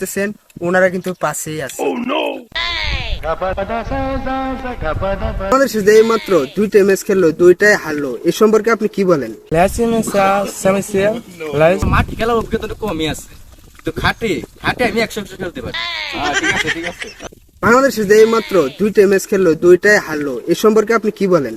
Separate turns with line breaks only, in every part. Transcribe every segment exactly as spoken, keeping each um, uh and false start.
দেখতেছেন ওনারা কিন্তু পাশেই আছে। বাংলাদেশ যে এই মাত্র দুইটা ম্যাচ খেললো, দুইটাই হারলো, এই সম্পর্কে আপনি কি বলেন?
মাঠ খেলার অভিজ্ঞতা কমই আছে, তো খাটে খাটে আমি একশো একশো খেলতে পারি। ঠিক আছে ঠিক আছে।
বাংলাদেশ যে এই মাত্র দুইটা ম্যাচ খেললো, দুইটাই হারলো, এই সম্পর্কে আপনি কি বলেন?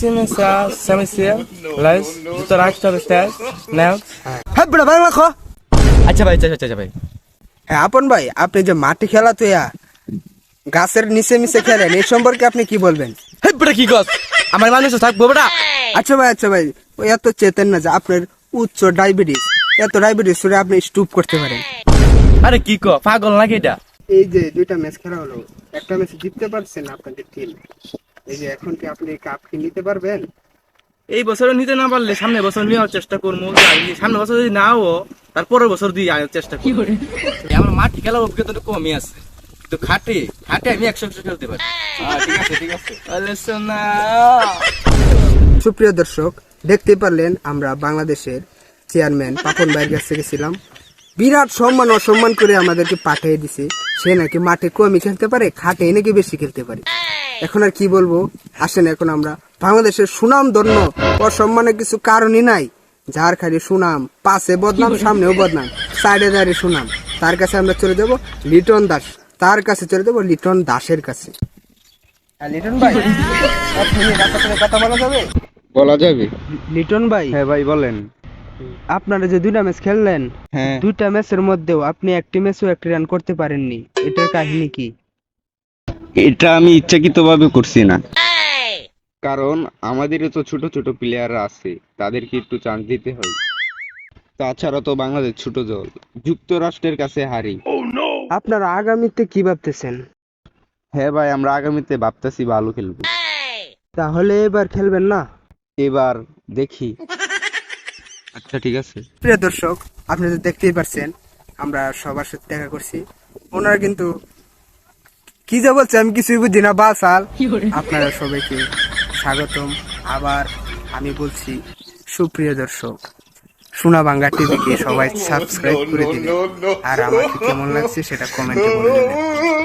হ্যাঁ বেটা বাংলা খ।
আচ্ছা ভাই, আচ্ছা আচ্ছা ভাই।
হ্যাঁ আপন ভাই, আপনি যে মাঠে খেলা তো গাছের নিচে নিচে খেলেন, এই সম্পর্কে আপনি কি বলবেন?
হেই বেটা কি কস, আমার মানুষ থাকবো বেটা।
আচ্ছা ভাই আচ্ছা ভাই, ওই এত চেতেন না যে আপনার উচ্চ ডায়াবেটিস, এত ডায়াবেটিস হলে আপনি স্টুপ করতে পারেন।
আরে কি ক, পাগল নাকি এটা?
এই যে দুইটা ম্যাচ খেলা হলো, একটা ম্যাচ জিততে পারছেন আপনাদের টিম, এই যে এখন কি আপনি কাপ কি নিতে পারবেন?
এই বছর নিতে না পারলে সামনে বছর নেওয়ার চেষ্টা করবো। সামনে বছর যদি নাও, তারপরের বছর দিয়ে আনার চেষ্টা করবো। আমার মাঠ খেলার অভিজ্ঞতা কমই আছে, তো খাটে খাটে আমি একশো একশো খেলতে পারি। ঠিক আছে ঠিক আছে।
সুপ্রিয় দর্শক, দেখতে পারলেন আমরা বাংলাদেশের চেয়ারম্যান পাপন ভাইয়ের কাছ থেকে ছিলাম, বিরাট সম্মান অসম্মান করে আমাদেরকে পাঠিয়ে দিছে। সে নাকি মাঠে কমই খেলতে পারে, খাটে নাকি বেশি খেলতে পারে। এখন আর কি বলবো, আসেন এখন আমরা বাংলাদেশের সুনাম ধন্য অসম্মানের কিছু কারণই নাই, যার খালি সুনাম, পাশে বদনাম সামনেও বদনাম, সাইডে দাঁড়িয়ে সুনাম, তার কাছে আমরা চলে যাব লিটন দাস, তার কাছে চলে যাবো লিটন দাসের কাছে। লিটন ভাই, কথা বলা যাবে?
বলা যাবে।
লিটন ভাই,
হ্যাঁ ভাই বলেন।
আপনারা যে দুইটা ম্যাচ খেললেন,
হ্যাঁ,
দুইটা ম্যাচের মধ্যেও আপনি একটি ম্যাচও একটি রান করতে পারেননি, এটার কাহিনী কি?
এটা আমি ইচ্ছাকৃত ভাবে করছি না, কারণ আমাদেরও তো ছোট ছোট প্লেয়াররা আছে, তাদেরকে একটু চান্স দিতে হয়। তাছাড়া তো বাংলাদেশ ছোট দল, যুক্তরাষ্ট্রের কাছে হারি।
আপনারা আগামীতে কি ভাবতেছেন?
হ্যাঁ ভাই, আমরা আগামীতে ভাবতেছি ভালো খেলবো।
তাহলে এবার খেলবেন না?
এবার দেখি। আচ্ছা ঠিক আছে।
প্রিয় দর্শক, আপনি তো দেখতেই পারছেন আমরা সবার সাথে দেখা করছি, ওনারা কিন্তু কি যে বলছে আমি কিছুই বুঝি না বাসাল। আপনারা সবাইকে স্বাগতম। আবার আমি বলছি, সুপ্রিয় দর্শক, সোনা বাংলা টিভিকে সবাই সাবস্ক্রাইব করে দিবেন, আর আমাকে কেমন লাগছে সেটা কমেন্টে বলে দিবেন।